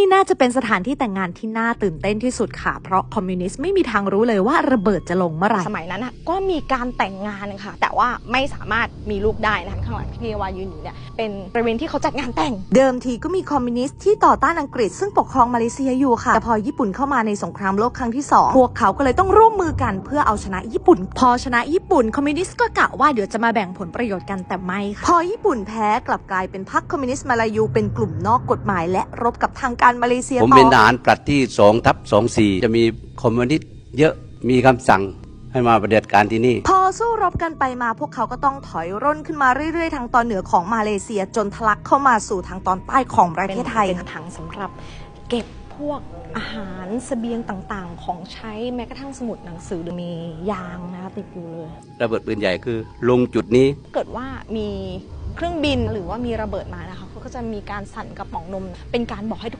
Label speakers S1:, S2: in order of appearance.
S1: น่าจะเป็นสถานที่แต่งงานที่น่าตื่นเต้นที่สุดค่ะเพราะคอมมิวนิสต์ไม่มีทางรู้เลยว่าระเบิดจะลงเมื่อไหร่
S2: สมัยนั้นก็มีการแต่งงานค่ะแต่ว่าไม่สามารถมีลูกได้นะคะข้างหลังที่วายืนอยู่เนี่ยเป็นบริเวณที่เขาจัดงานแต่ง
S1: เดิมทีก็มีคอมมิวนิสต์ที่ต่อต้านอังกฤษซึ่งปกครองมาเลเซียอยู่ค่ะแต่พอญี่ปุ่นเข้ามาในสงครามโลกครั้งที่2พวกเขาก็เลยต้องร่วมมือกันเพื่อเอาชนะญี่ปุ่นพอชนะญี่ปุ่นคอมมิวนิสต์ก็กะว่าเดี๋ยวจะมาแบ่งผลประโยชน์กันแต่ไม่ค่ะพอญี่ปุ่นแพ้กลับกลายเป็นพรรคคอมมิวนิสต์มาลายูเป็นกลุ่มนอกกฎหมายและรบกับทางการมาเลเซีย
S3: ผมเป็นทหารปลัดที่2/24จะมีคอมมิวนิสต์เยอะมีคำสั่งให้มาปฏิบัติการที่นี่
S1: พอสู้รบกันไปมาพวกเขาก็ต้องถอยร่นขึ้นมาเรื่อยๆทางตอนเหนือของมาเลเซียจนทะลักเข้ามาสู่ทางตอนใต้ของประเทศไทย
S2: เป็นถังสำหรับเก็บพวกอาหารเสบียงต่างๆของใช้แม้กระทั่งสมุดหนังสือมียางนะคะติดอยู่เลย
S3: ระเบิดปืนใหญ่คือลงจุดนี้
S2: เกิดว่ามีเครื่องบินหรือว่ามีระเบิดมานะคะเขาก็จะมีการสั่นกระป๋องนมเป็นการบอกให้ทุก